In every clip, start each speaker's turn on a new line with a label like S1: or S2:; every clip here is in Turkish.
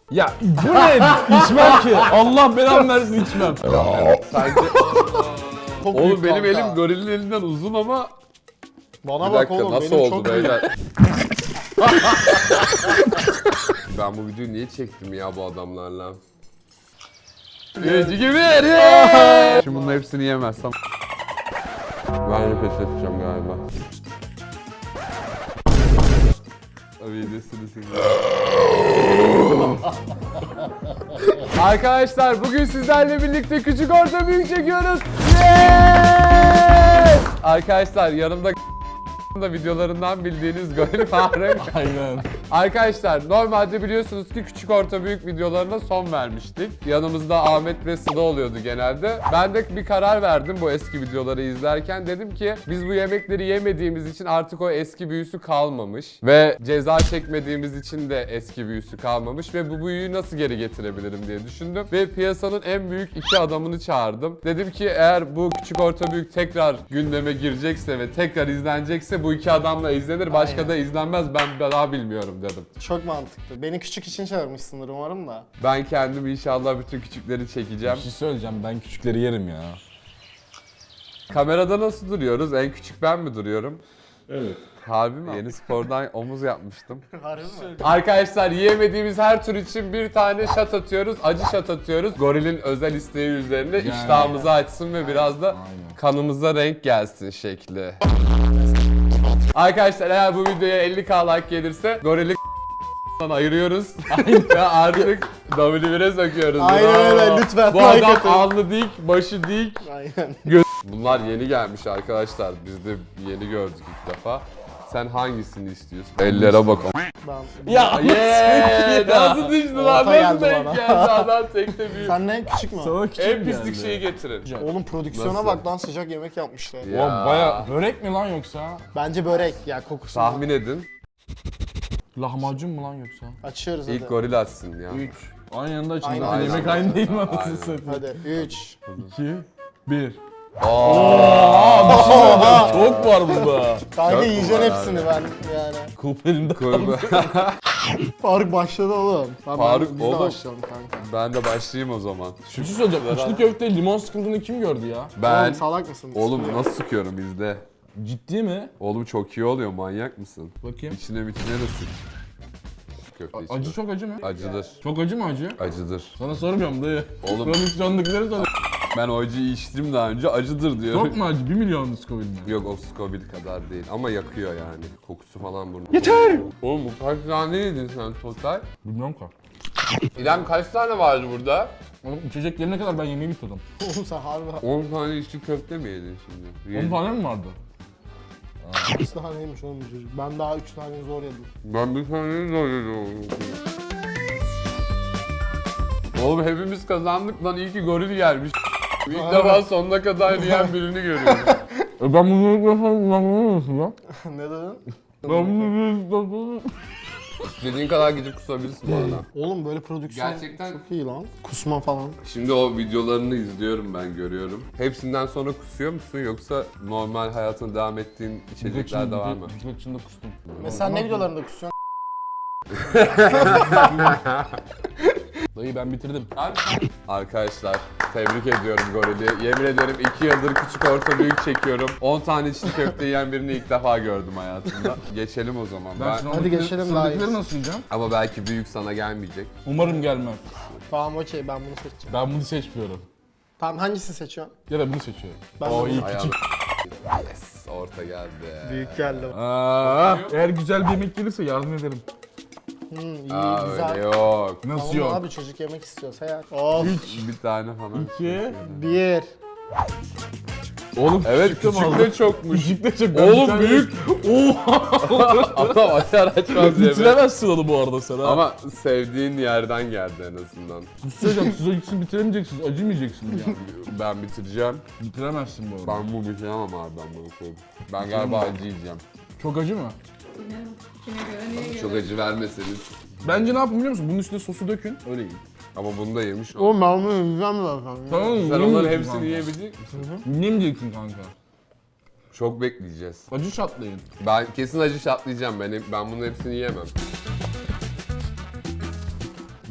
S1: Ya bu ne? İçmem ki. Allah belamı versin içmem.
S2: Sence...
S3: Çok
S2: Oğlum
S3: büyük
S2: benim
S3: kanka.
S2: elim gorilin elinden uzun ama...
S3: Bana
S2: Bir
S3: bak
S2: dakika
S3: oğlum
S2: nasıl
S3: benim
S2: oldu
S3: çok büyük.
S2: beyler? Ben bu videoyu niye çektim ya bu adamlarla? 3, 2, 1! Şimdi bunun hepsini yemezsem... Ben de pes edeceğim galiba. Arkadaşlar bugün sizlerle birlikte küçük orta büyük çekiyoruz. Yes! Arkadaşlar yanımda da videolarından bildiğiniz Goril Faruk.
S1: Aynen.
S2: Arkadaşlar normalde biliyorsunuz ki küçük orta büyük videolarına son vermiştik. Yanımızda Ahmet ve Sıla oluyordu genelde. Ben de bir karar verdim bu eski videoları izlerken. Dedim ki biz bu yemekleri yemediğimiz için artık o eski büyüsü kalmamış. Ve ceza çekmediğimiz için de eski büyüsü kalmamış. Ve bu büyüyü nasıl geri getirebilirim diye düşündüm. Ve piyasanın en büyük iki adamını çağırdım. Dedim ki eğer bu küçük orta büyük tekrar gündeme girecekse ve tekrar izlenecekse bu iki adamla izlenir. Başka
S3: Aynen.
S2: da izlenmez. Ben daha bilmiyorum dedim.
S3: Çok mantıklı. Beni küçük için çağırmışsındır umarım da.
S2: Ben kendim inşallah bütün küçükleri çekeceğim.
S1: Bir şey söyleyeceğim, ben küçükleri yerim ya.
S2: Kamerada nasıl duruyoruz? En küçük ben mi duruyorum?
S1: Evet.
S2: Harbi mi? Yeni spordan omuz yapmıştım.
S3: Harbi mi?
S2: Arkadaşlar yiyemediğimiz her tür için bir tane şat atıyoruz. Acı şat atıyoruz. Gorilin özel isteği üzerine
S1: Yani.
S2: iştahımızı açsın ve biraz da
S1: Aynen.
S2: kanımıza renk gelsin şekli. Arkadaşlar eğer bu videoya 50k like gelirse gorili ayırıyoruz. Ve artık W1'e söküyoruz.
S3: Aynen öyle, lütfen
S2: Bu
S3: like
S2: adam
S3: atın.
S2: alnı dik, başı dik.
S3: Aynen.
S2: Bunlar yeni gelmiş arkadaşlar. Biz de yeni gördük ilk defa. Sen hangisini istiyorsun? Ellere bak.
S3: Ben...
S1: Ya
S2: Yeee! Nasıl düştü lan?
S3: Orta
S2: Nasıl
S3: geldi
S2: denk
S3: bana.
S2: geldi adam tekte büyük.
S3: Sen ne küçük mü?
S1: Sana küçük
S2: En pislik
S1: geldi.
S2: şeyi getirin.
S3: Oğlum prodüksiyona
S2: Nasıl?
S3: bak lan, sıcak yemek yapmışlar.
S2: Ya.
S1: O baya börek mi lan yoksa?
S3: Bence börek ya, kokusu.
S2: Tahmin edin.
S1: Lahmacun mu lan yoksa?
S3: Açıyoruz hadi.
S2: İlk goril açsın ya.
S1: 3. Aynı anda açın.
S3: Aynen.
S1: Zaten yemek
S2: Aynen.
S1: aynı değil mi
S2: Aynen.
S1: anasını satayım?
S3: Hadi 3.
S1: 2, 1.
S2: Aa!
S1: Çok var burada.
S3: Kanka
S2: Çok
S3: yiyeceksin
S2: var
S3: hepsini
S2: abi.
S3: ben yani.
S1: Kulp elimde kaldı.
S3: Faruk başladı oğlum. Tamam,
S2: Faruk,
S3: biz de
S2: oğlum.
S3: başlayalım kanka.
S2: Ben de başlayayım o zaman.
S1: Bir şey söyleyeceğim. İçli köfte limon sıkıntını kim gördü ya?
S2: Ben...
S3: Oğlum salak mısın?
S2: Oğlum nasıl sıkıyorum izle.
S1: Ciddi mi?
S2: Oğlum çok iyi oluyor, manyak mısın?
S1: Bakayım.
S2: İçine de sık. Köfte içine.
S1: Acı çok acı mı?
S2: Acıdır.
S1: Çok acı mı acı?
S2: Acıdır.
S1: Sana sormuyorum dayı.
S2: Oğlum
S1: Prodüksiyondakileri soruyorum.
S2: ben o acıyı içtim daha önce, acıdır diyorum.
S1: Çok mu acı? 1 milyon Scoville mi?
S2: Yok o Scoville kadar değil ama yakıyor yani. Kokusu falan burnu. Yeter! Oğlum bu kaç tane yedin sen total?
S1: Bilmiyorum ki.
S2: İrem kaç tane vardı burada?
S1: Oğlum içecek gelene kadar ben yemeği bitirdim.
S3: Oğlum sen harbi
S2: 10 tane içli köfte mi yedin şimdi?
S1: 10 tane mi vardı?
S3: 3 taneymiş oğlum bu çocuk. Ben daha 3 tane zor yedim.
S2: Ben bir tane zor yedim. Oğlum hepimiz kazandık lan, iyi ki goril gelmiş. İlk defa sonuna kadar yiyen birini görüyorum.
S1: Ben bunu ilk defa kullanmıyor lan?
S3: Ne dedin?
S1: Ben bunu ilk defa...
S2: İstediğin kadar gidip kusabilirsin bu arada.
S3: Oğlum böyle prodüksiyon
S2: Gerçekten-
S3: çok iyi lan. Kusma falan.
S2: Şimdi o videolarını izliyorum ben, görüyorum. Hepsinden sonra kusuyor musun yoksa normal hayatına devam ettiğin içecekler de var mı?
S1: Bisiklet içinde kustum.
S3: Mesela ne videolarında kusuyorsun?
S1: Dayı ben bitirdim.
S2: Arkadaşlar tebrik ediyorum Goril'i. Yemin ederim 2 yıldır küçük orta büyük çekiyorum. 10 tane içli köfte yiyen birini ilk defa gördüm hayatımda. Geçelim o zaman.
S3: Hadi geçelim, daha iyi.
S1: Sıradakileri nasıl yiyeceğim?
S2: Ama belki büyük sana gelmeyecek.
S1: Umarım gelmez.
S3: Tamam okey, ben bunu seçeceğim.
S1: Ben bunu seçmiyorum.
S3: Tamam hangisini seçiyorsun?
S1: Ya da bunu seçiyorum.
S3: Ben de
S1: O
S3: bunu-
S1: iyi
S2: Ayağım.
S1: küçük.
S2: Yes, orta geldi.
S3: Büyük geldi.
S1: Eğer güzel bir yemek gelirse yardım ederim.
S3: İyi
S2: Aa,
S3: güzel.
S2: öyle yok.
S1: Nasıl
S3: Tamam
S1: yok?
S3: abi, çocuk yemek istiyorsa yer. Of.
S2: Bir tane falan.
S1: 2.
S3: 1.
S1: Oğlum
S2: Evet
S1: küçük de mi
S2: küçük
S1: aldın?
S2: de çokmuş.
S1: Küçük de çok. Ben bir
S2: Oğlum
S1: tane-
S2: büyük.
S1: Oha!
S2: Adam açar açmaz yemek.
S1: Bitiremezsin onu bu arada sen ha.
S2: Ama sevdiğin yerden geldi en azından.
S1: Söyleyeceğim, siz o ikisini bitiremeyeceksiniz, acımayacaksınız yani.
S2: Ben bitireceğim.
S1: Bitiremezsin bu arada.
S2: Ben bu bitiremem abi, ben bunu koyayım. Ben galiba acı yiyeceğim.
S1: Çok acı mı?
S4: Kime göre neye
S2: Çok
S4: göre?
S2: acı vermeseniz.
S1: Bence ne yapın biliyor musun? Bunun üstüne sosu dökün, öyle yiyin.
S2: Ama bunu da yemiş ol.
S3: Oğlum ben bunu yiyeceğim zaten.
S1: Tamam mı?
S2: Sen onların
S1: Yemeyeceksin
S2: hepsini
S1: kanka.
S2: yiyebilecek misin?
S1: Yemeyeceksin kanka.
S2: Çok bekleyeceğiz.
S1: Acı şatlayın.
S2: Ben kesin acı şatlayacağım. Ben bunun hepsini yiyemem.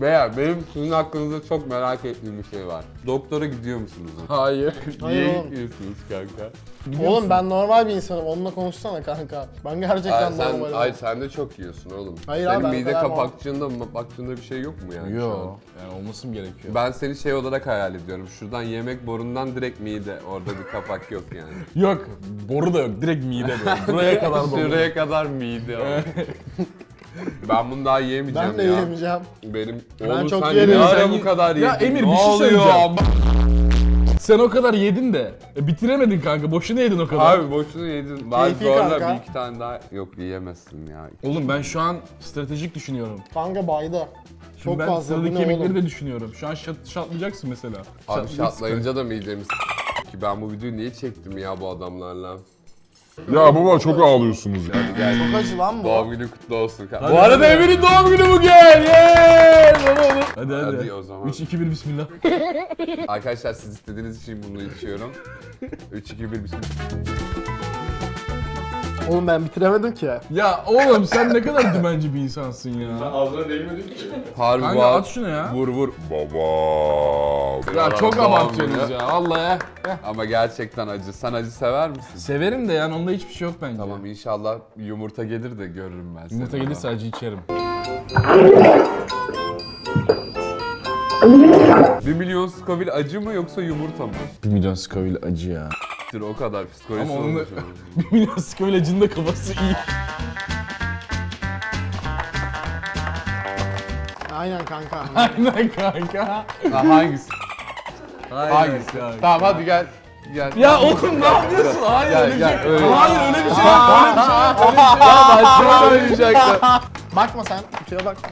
S2: Beyler benim sizin hakkınızda çok merak ettiğim bir şey var. Doktora gidiyor musunuz?
S1: Hayır.
S3: Hayır
S2: Niye
S3: oğlum.
S2: gitmiyorsunuz kanka?
S3: Oğlum ben normal bir insanım. Onunla konuşsana kanka. Ben gerçekten normalim.
S2: Ay sen de çok yiyorsun oğlum.
S3: Hayır
S2: Senin
S3: abi, ben o
S2: mide
S3: kadar
S2: kapakçığında bir şey yok mu yani şu an?
S1: Yo. Yani olması mı gerekiyor?
S2: Ben seni şey olarak hayal ediyorum. Şuradan yemek borundan direkt mide. Orada bir kapak yok yani.
S1: Yok. Boru da yok. Direkt mide böyle. Buraya kadar dolu.
S2: Şuraya kadar mide. Ben bunu daha yiyemeyeceğim
S3: Ben de
S2: ya.
S3: yiyemeyeceğim.
S2: Benim
S3: Ben
S2: oğlum
S3: çok
S2: sen
S3: yerim.
S2: ne ara
S1: Sen-
S2: bu kadar yedin?
S1: Ya Emir,
S2: Ne
S1: bir şey
S2: oluyor?
S1: söyleyeceğim. Sen o kadar yedin de bitiremedin kanka. Boşuna yedin o kadar.
S2: Abi boşuna yedin. Ben
S3: Keyfi
S2: zorla
S3: kanka.
S2: bir iki tane daha... Yok yiyemezsin ya.
S1: Oğlum ben şu an stratejik düşünüyorum.
S3: Kanka bayda.
S1: Şimdi
S3: Çok
S1: ben
S3: fazla. Bu
S1: sıradaki
S3: ne
S1: yemekleri
S3: oğlum?
S1: de düşünüyorum. Şu an şatlayacaksın mesela.
S2: Abi şatlayınca da midemiz ki ben bu videoyu niye çektim ya bu adamlarla?
S5: Ya baba çok ağlıyorsunuz ya.
S2: Hadi gel.
S3: Çok acı lan bu.
S2: Doğum günü kutlu olsun.
S1: Hadi,
S2: Bu arada
S1: hadi.
S2: Emir'in doğum günü bugün. Yeee!
S1: Hadi hadi.
S2: Hadi o zaman.
S1: 3 2 1 bismillah.
S2: Arkadaşlar siz istediğiniz için bunu içiyorum. 3 2 1 bismillah.
S3: Oğlum ben bitiremedim ki.
S1: Ya oğlum sen ne kadar dümenci bir insansın ya.
S2: Harbi
S1: Kanka
S2: var.
S1: at şunu ya.
S2: Vur vur.
S5: Baba.
S1: Ya çok
S2: Doğum
S1: abartıyorsunuz
S2: günü.
S1: ya. Vallahi ya.
S2: Ama gerçekten acı. Sen acı sever misin?
S1: Severim de yani onda hiçbir şey yok bence.
S2: Tamam inşallah yumurta gelir de görürüm ben seni.
S1: Yumurta gelirse acı içerim.
S2: 1 milyon Scoville acı mı yoksa yumurta mı?
S1: 1 milyon Scoville acı ya.
S2: O kadar psikolojisi
S1: Ama onu-
S2: olmuş.
S1: 1 milyon Scoville acının da kafası iyi.
S3: Aynen kanka.
S1: Aynen kanka.
S2: Ha, hangisi?
S1: Aynen
S2: Hangisi?
S1: kanka.
S2: Tamam hadi gel. Gel.
S1: Ya oğlum ne yapıyorsun? Hayır
S2: Gel,
S1: öyle bir
S2: gel,
S1: şey.
S2: öyle.
S1: Hayır öyle bir şey yok. Öyle bir şey yok. Öyle bir şey yok.
S2: Başka oynayacaktı.
S3: Bakma sen. Şuraya bak.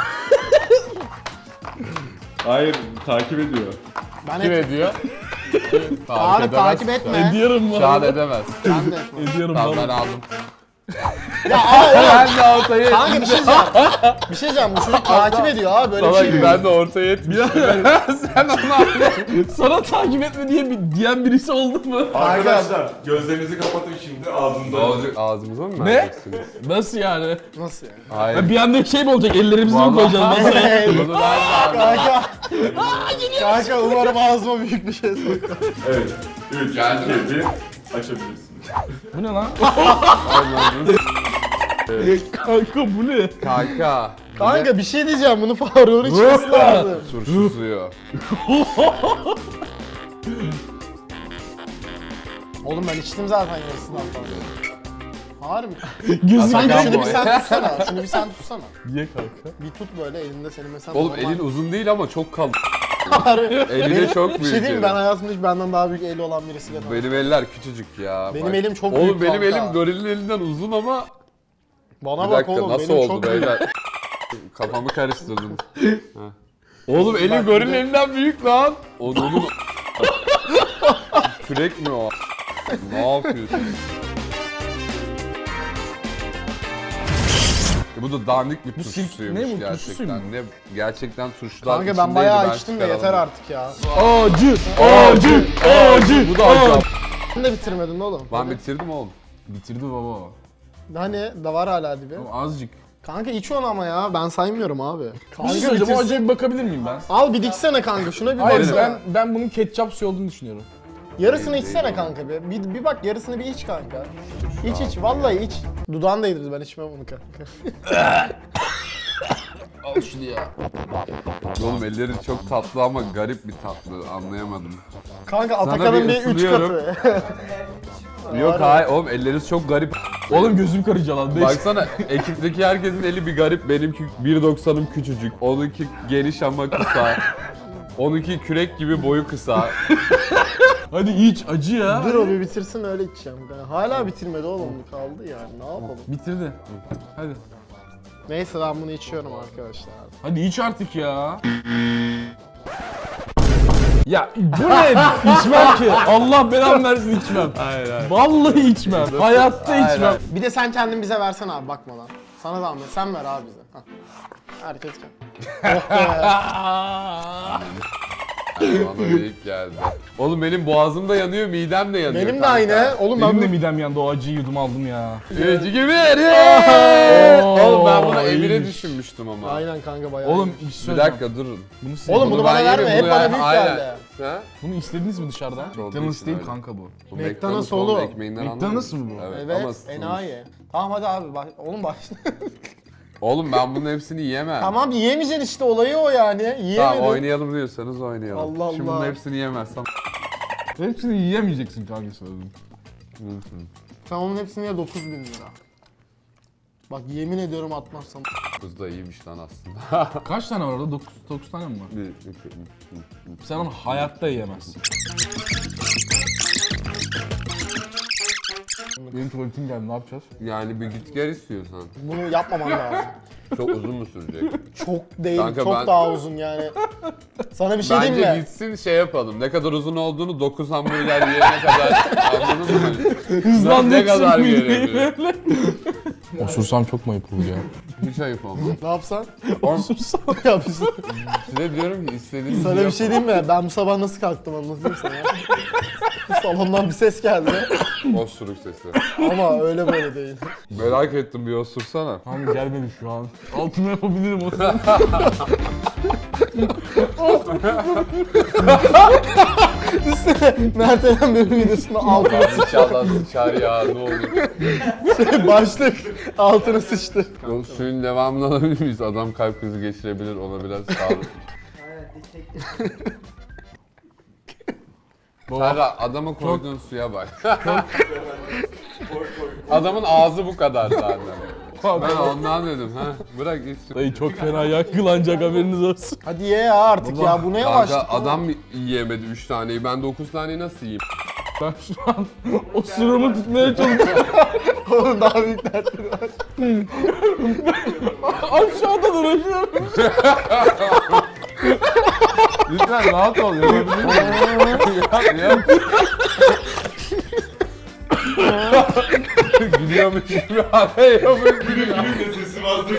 S5: Hayır takip ediyor.
S3: Ben
S2: Kim
S3: et.
S2: ediyor?
S3: Tarık takip etme.
S1: Ediyorum
S2: Şu an
S1: valla.
S2: edemez.
S3: Ben de etme.
S1: Ediyorum
S2: Tamam ben
S1: valla.
S2: aldım.
S3: Ya abi
S2: Ben de ortaya
S3: kanka bir şey diyeceğim. Bir şey diyeceğim. Bu çocuk takip ediyor abi. Böyle bir
S2: Salak
S3: şey mi?
S2: ben de ortaya etmiştim. Sen onu aldın.
S1: Sana takip etme diyen birisi oldu mu?
S5: Arkadaşlar gözlerinizi kapatın şimdi ağzımda.
S2: Ne olacak? Ağzımıza mı
S1: Ne?
S2: vereceksiniz?
S1: Nasıl yani?
S3: Nasıl yani?
S2: Hayır.
S1: Ya bir anda şey mi olacak? Ellerimizi mi
S2: Vallahi-
S1: koyacağız? Nasıl?
S2: Bunu ben de aldım.
S3: Kanka. Kanka umarım ağzıma büyük bir şey soktu.
S5: Evet. 3, 2,
S2: Geldim.
S5: 1. Açabilirsin.
S1: Bu ne lan? Kanka bu ne?
S2: Kanka.
S3: Kanka bir şey diyeceğim. Bunu Faruk'un içmesi lazım.
S2: Turşu suyu.
S3: Oğlum ben içtim zaten yarısından fazla. Harbi.
S1: Gözü
S3: Kanka
S2: Hakan
S3: şunu
S2: boy.
S3: bir sen tutsana. Şunu bir sen tutsana.
S1: Ye kanka.
S3: Bir tut böyle elinde senin mesela.
S2: Oğlum
S3: normal-
S2: elin uzun değil ama çok kalın.
S3: Harbi.
S2: Eli de çok
S3: Bir
S2: büyük.
S3: şey diyeyim mi?
S2: yani.
S3: Ben hayatımda hiç benden daha büyük eli olan birisiyle tanıştım.
S2: Benim eller küçücük ya.
S3: Benim
S2: Bak.
S3: elim çok
S2: Oğlum
S3: büyük
S2: benim
S3: kanka.
S2: elim gorilin elinden uzun ama
S3: Bana
S2: bir
S3: bak
S2: dakika
S3: oğlum
S2: nasıl
S3: benim
S2: oldu
S3: çok büyük.
S2: beyler? Kafamı karıştırdım. Ha. Oğlum elim gorilin elinden büyük lan. Onun kürek mi o? Ne yapıyorsun? Bu da dandik bir turşu
S1: sirk-
S2: suyuymuş
S1: ne bu, turşu
S2: gerçekten.
S1: suyu mu?
S2: Ne gerçekten turşular
S3: Kanka ben
S2: içindeydi,
S3: bayağı içtim de yeter
S2: çıkaramadım.
S3: artık ya.
S1: Acı, acı, acı.
S2: Bu da acı.
S3: Sen de bitirmedin oğlum.
S2: Ben bitirdim oğlum.
S1: Bitirdi baba.
S3: Hani da var hala dibi.
S1: Ama azıcık.
S3: Kanka iç onu ama ya ben saymıyorum abi.
S1: Bir şey
S3: Kanka
S1: söyleyeceğim. O
S3: bitirsin.
S1: acıya bir bakabilir miyim ben?
S3: Al bir diksene kanka şuna bir
S1: Hayır
S3: baksana.
S1: ben bunun ketçap suyu olduğunu düşünüyorum.
S3: Yarısını
S2: Değil,
S3: içsene
S2: değil
S3: kanka bir. Bir bak yarısını bir iç kanka. İç vallahi iç. Dudağını değdirdi ben içmem bunu kanka.
S1: Al şunu ya.
S2: Oğlum ellerin çok tatlı ama garip bir tatlı anlayamadım.
S3: Kanka
S2: Sana
S3: Atakan'ın
S2: bir
S3: bir 3
S2: ısınıyorum.
S3: katı.
S2: Yok hayır oğlum elleriniz çok garip.
S1: Oğlum gözüm karıcalandı.
S2: Baksana ekipteki herkesin eli bir garip. Benimki 1.90'ım küçücük. Onunki geniş ama kısa. Onunki kürek gibi boyu kısa.
S1: Hadi iç acı ya.
S3: Dur o bir bitirsin öyle içeceğim. Yani hala bitirmedi oğlum kaldı yani ne yapalım.
S1: Bitirdi. Hadi.
S3: Neyse ben bunu içiyorum arkadaşlar.
S1: Hadi iç artık ya. Ya bu ne? İçmem ki. Allah belamı versin içmem.
S2: Hayır hayır.
S1: Vallahi içmem. Hayatta
S2: Hayır,
S1: içmem.
S2: hayır.
S3: Bir de sen kendin bize versene abi bakmadan. Sana zahmet sen ver abi bize. Hah. Herkes kendi. Oh be.
S2: Bana büyük geldi. Oğlum benim boğazım da yanıyor, midem de yanıyor.
S3: Benim de
S2: kanka.
S3: aynı. Oğlum ben
S1: Benim de
S3: bu...
S1: midem yandı, o acıyı yudum aldım ya.
S2: 3, 2, 1. Oğlum ben bunu Emir'e
S1: iyiymiş.
S2: düşünmüştüm ama.
S3: Aynen kanka bayağı.
S1: Oğlum
S3: iyi.
S1: bir şey
S2: Bir
S1: söyleyeceğim.
S2: dakika durun.
S3: Oğlum bunu bana
S2: ben
S3: verme.
S2: yerim,
S3: Hep
S2: bunu
S3: bana
S2: ver-
S3: büyük
S2: Aynen.
S3: geldi.
S2: Ha?
S1: Bunu istediniz mi dışarıdan?
S2: Olduğu
S1: McDonald's
S2: için
S1: değil
S2: öyle.
S1: kanka bu.
S2: Bu
S3: McDonald's
S2: oğlum,
S3: oğlum.
S2: ekmeğinden
S1: McDonald's
S2: anlamıyorum.
S1: mı bu?
S2: Evet, ama
S3: Evet,
S2: ısıtılmış.
S3: enayi. Tamam hadi abi oğlum başla.
S2: Oğlum ben bunun hepsini yiyemem.
S3: Tamam yiyemeyeceksin işte olayı o yani. Yiyemedin.
S2: Tamam oynayalım diyorsanız oynayalım.
S3: Allah
S2: Şimdi
S3: Allah.
S2: bunun hepsini yiyemezsem.
S1: Hepsini yiyemeyeceksin kanka söyledim.
S3: Sen onun hepsine 9.000 lira. Bak yemin ediyorum atmazsam.
S2: Kız da iyiymiş lan aslında.
S1: Kaç tane var orada? 9 tane mi var?
S2: 1, 2, 3.
S1: Sen onu hayatta yiyemezsin. Benim tuvaletim geldi, ne yapacağız?
S2: Yani bir git gel istiyorsan.
S3: Bunu yapmaman lazım.
S2: Çok uzun mu sürecek?
S3: Çok değil,
S2: Kanka
S3: çok
S2: ben-
S3: daha uzun yani. Sana bir şey
S2: Bence
S3: diyeyim mi?
S2: gitsin şey yapalım. Ne kadar uzun olduğunu 9 hamburger yiyene kadar anladın mı?
S1: Hızlandırsın
S2: Ne kadar
S1: midyeyi
S2: gelebilir?
S1: böyle. Osursam çok mu ayıp olur ya?
S2: Hiç ayıp olmaz.
S3: Ne yapsan?
S1: Osursam.
S3: Ya bir şey-
S2: Size diyorum ki istediğiniz
S3: Sana bir şey diyeyim mi? Ben bu sabah nasıl kalktım anlatayım sana. Salondan bir ses geldi
S2: Osuruk sesi.
S3: ama öyle böyle değil.
S2: Merak ettim bir osursana.
S1: Kanka gelmedi şu an. Altına yapabilirim onu.
S3: Mert Eren bölüm videosunda altına
S2: İnşallah sıçar ya ne olur.
S3: başlık altına sıçtı.
S2: O suyun devamını alabilir miyiz? Adam kalp krizi geçirebilir, ona biraz sağlık. Serra, adama koyduğun suya bak. Adamın ağzı bu kadar zaten. Ben ondan dedim ha. Bırak içsin.
S1: Dayı çok fena yakılanacak, haberiniz olsun.
S3: Hadi ye ya artık ya bu ne yavaşlık.
S2: Kanka adam yiyemedi 3 taneyi. Ben 9 taneyi nasıl yiyeyim?
S1: Ben şu an osurumu tutmaya çalışıyorum.
S3: Oğlum daha büyük dertleri var.
S1: Aşağıda uğraşıyorum.
S2: Lütfen rahat ol. Yapabilir miyim? Yap. Gülüyormuş gibi yapıyormuş gibi.
S5: Benim de sesim azdır.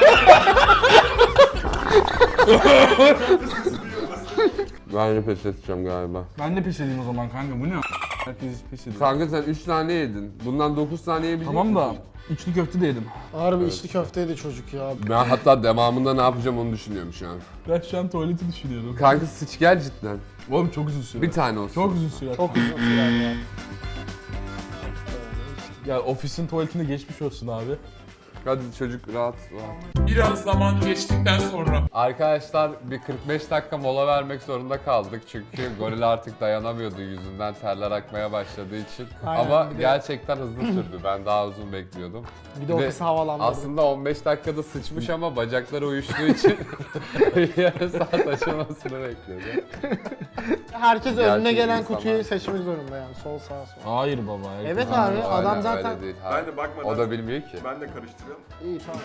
S2: Ben de pes edeceğim galiba.
S1: Ben de pes edeyim o zaman kanka, bu ne? Herkes pes ediyor.
S2: Kanka sen 3 tane yedin. Bundan 9 tane yiyebilecek
S1: Tamam da
S2: misin?
S1: içli köfte de yedim.
S3: Harbi içli köfteydi çocuk ya.
S2: Ben hatta devamında ne yapacağım onu düşünüyorum şu an.
S1: Ben şu an tuvaleti düşünüyorum.
S2: Kanka sıç gel cidden.
S1: Oğlum çok uzun sürer.
S2: Bir tane olsun.
S1: Çok uzun sürer.
S3: Çok uzun sürer ya.
S1: Ya ofisin tuvaletinde geçmiş olsun abi.
S2: Hadi çocuk rahat rahat.
S6: Biraz zaman geçtikten sonra
S2: Arkadaşlar bir 45 dakika mola vermek zorunda kaldık çünkü goril artık dayanamıyordu yüzünden terler akmaya başladığı için.
S3: Aynen,
S2: Ama
S3: bir de-
S2: gerçekten hızlı sürdü. Ben daha uzun bekliyordum.
S3: Bir de ofisi havalandırdı.
S2: Aslında 15 dakikada sıçmış ama bacakları uyuştuğu için yarım saat aşamasını bekliyordu.
S3: Herkes
S2: Gerçek
S3: önüne gelen
S2: insan
S3: kutuyu
S2: var.
S3: seçmek zorunda yani. Sol sağ sol.
S1: Hayır baba.
S3: Evet
S1: Ha.
S3: abi adam
S2: Aynen,
S3: zaten...
S2: öyle değil. Ha.
S5: Ben de bakmadan.
S2: O da bilmiyor ki.
S5: Ben de karıştırıyorum.
S3: İyi tamam.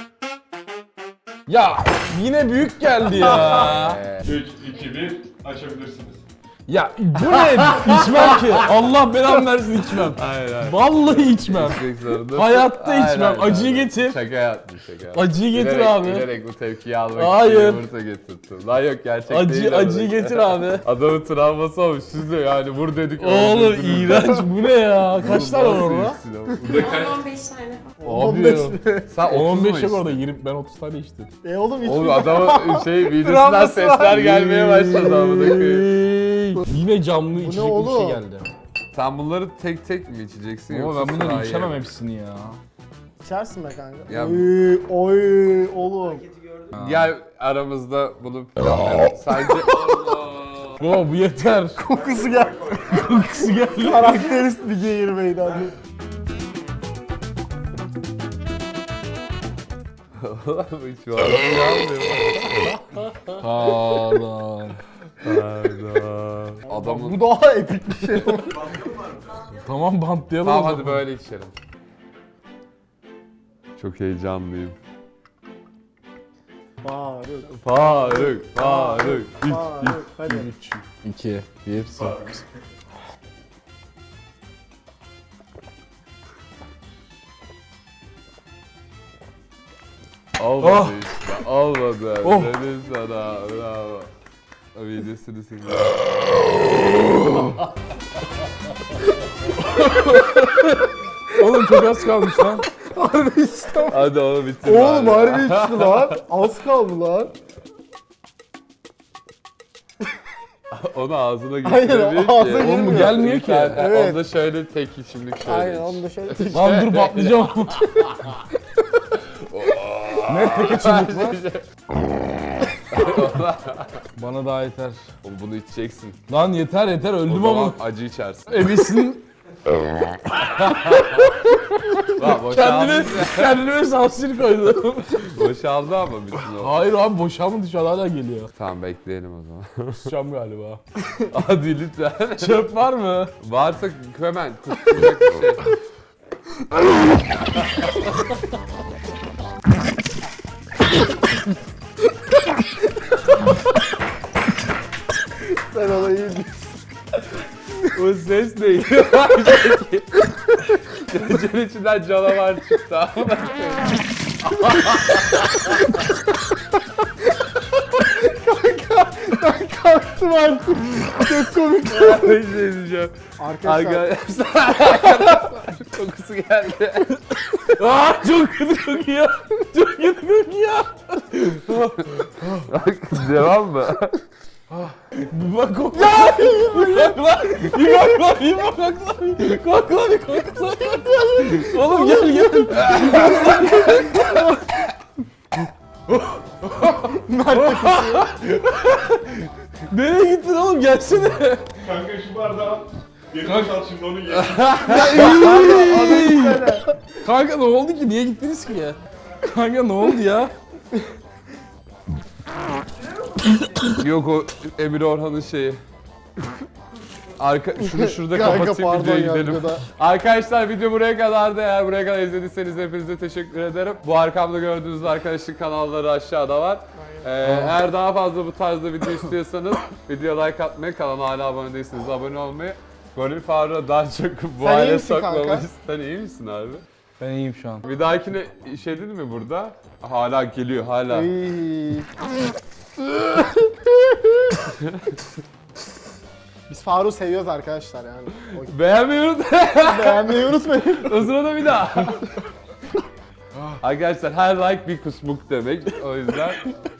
S1: Ya yine büyük geldi ya.
S5: 3, 2, 1 açabilirsiniz.
S1: Ya bu ne? İçmem ki. Allah belamı versin, içmem.
S2: Hayır hayır.
S1: Vallahi içmem.
S2: İçmek zorundasın.
S1: Hayatta
S2: Hayır,
S1: içmem.
S2: hayır,
S1: Acıyı
S2: hayır.
S1: getir.
S2: Şaka yaptım şaka yaptım.
S1: Acıyı getir
S2: Bilerek-
S1: abi.
S2: Bilerek bu tepkiyi almak
S1: Hayır.
S2: için yumurta getirdim. Lan yok gerçek değil.
S1: Acıyı getir abi.
S2: Adamın travması olmuş. Siz de yani vur dedik.
S1: Oğlum
S2: öldürdünüz.
S1: iğrenç, bu ne ya? Kaç tane var
S2: Nasıl
S1: orada?
S2: içsin o?
S4: 10-15 tane.
S1: Abi
S3: 15
S1: ya.
S3: mi?
S2: Sen 30 mu
S1: 15 yok
S2: içtin?
S1: orada, 20, ben 30 tane içtim.
S3: Oğlum hiç
S2: Oğlum adamın midesinden
S3: Travması var.
S2: sesler gelmeye başladı amına koyayım.
S1: Yine camlı içecek bir
S3: oğlum?
S1: şey geldi.
S2: Sen bunları tek tek mi içeceksin
S1: Ama
S2: yoksa
S1: ben bunları
S2: sırayla
S1: içemem
S2: mı?
S1: hepsini ya.
S3: içersin be kanka.
S2: Ya-
S3: Oy oğlum.
S2: Gel aramızda bunu planlayalım. Sence
S1: Baba bu yeter.
S3: Kokusu gel.
S1: Kokusu geldi.
S3: Karakterist bir geğirmeydi abi.
S2: hiç var mı?
S1: Pardon.
S2: Adamın...
S3: Bu daha epik bir şey.
S1: Tamam, bantlayalım
S2: Tamam
S1: o
S2: hadi
S1: zaman.
S2: böyle içelim. Çok heyecanlıyım.
S3: Faruk.
S2: Faruk.
S3: Faruk. Hadi.
S1: 3, 2, 1, 0.
S2: Olmadı
S1: Oh.
S2: işte. Olmadı.
S1: Oh.
S2: Dedim sana. Bravo. O videosunu sildim.
S1: Oğlum çok az kalmış lan.
S3: Harbi işte.
S2: Hadi onu bitir.
S3: Oğlum
S2: bari.
S3: harbi içti lan. Az kaldı lan.
S2: Onu ağzına
S3: Aynen,
S2: getiremiyor ki.
S3: ağzına
S1: Oğlum bu
S3: girmiyor.
S1: gelmiyor ki.
S3: Evet.
S2: Onda şöyle tek içimlik şöyle.
S3: Aynen onu da şöyle tek.
S1: Lan dur patlayacağım. Ne tek içimlik var? Bana daha yeter.
S2: Oğlum bunu içeceksin.
S1: Lan yeter yeter
S2: O
S1: öldüm
S2: zaman
S1: ama.
S2: acı içersin.
S1: Ebesin
S2: Lan boşaldı.
S1: kendime sansür koydum.
S2: Boşaldı ama bütün o.
S1: Hayır abi boşalmadı şu an hala geliyor.
S2: Tamam bekleyelim o zaman.
S1: Kusacağım galiba.
S2: Hadi lütfen.
S1: Çöp var mı?
S2: Varsa hemen kusacak bir şey.
S3: Sen ona iyi
S2: O ses neydi? Gecenin içinden canavar çıktı ama.
S3: kalktım artık. Çok komik.
S2: Bir şey diyeceğim.
S3: Arkadaşlar.
S2: Arkadaşlar kokusu geldi.
S1: Aa çok kötü kokuyor. Çok kötü kokuyor.
S2: Devam mı?
S1: Bir bak kokla. Ya! Bir bak lan. Bir bak lan. Bir bak lan. Kokla bir kokla. Oğlum gel gel. Nereye gittin oğlum gelsene.
S5: Kanka şu bardağı geri boşalt şimdi onu ye.
S1: Kanka ne oldu ki? Niye gittiniz ki ya? Kanka ne oldu ya?
S2: Yok o Emir Orhan'ın şeyi. Şunu şurada
S3: Kanka
S2: kapatayım
S3: pardon
S2: videoya
S3: ya,
S2: gidelim.
S3: videoda.
S2: Arkadaşlar video buraya kadardı. Eğer buraya kadar izlediyseniz hepinize teşekkür ederim. Bu arkamda gördüğünüz arkadaşlık kanalları aşağıda var. Eğer daha fazla bu tarzda video istiyorsanız videoya like atmayı, kanala hala abone değilseniz abone olmayı. Goril Faruk'a daha çok bu
S3: Sen iyi
S2: hale
S3: misin kanka?
S2: sokmamız. Sen iyi misin abi?
S1: Ben iyiyim şu an.
S2: Bir dahakine şey dedi mi burada? Hala geliyor hala.
S3: İyi. Biz Faruk'u seviyoruz arkadaşlar yani.
S2: Beğenmeyi unutmayın.
S3: Beğenmeyi unutmayın.
S2: O sırada bir daha. Arkadaşlar her like bir kusmuk demek. O yüzden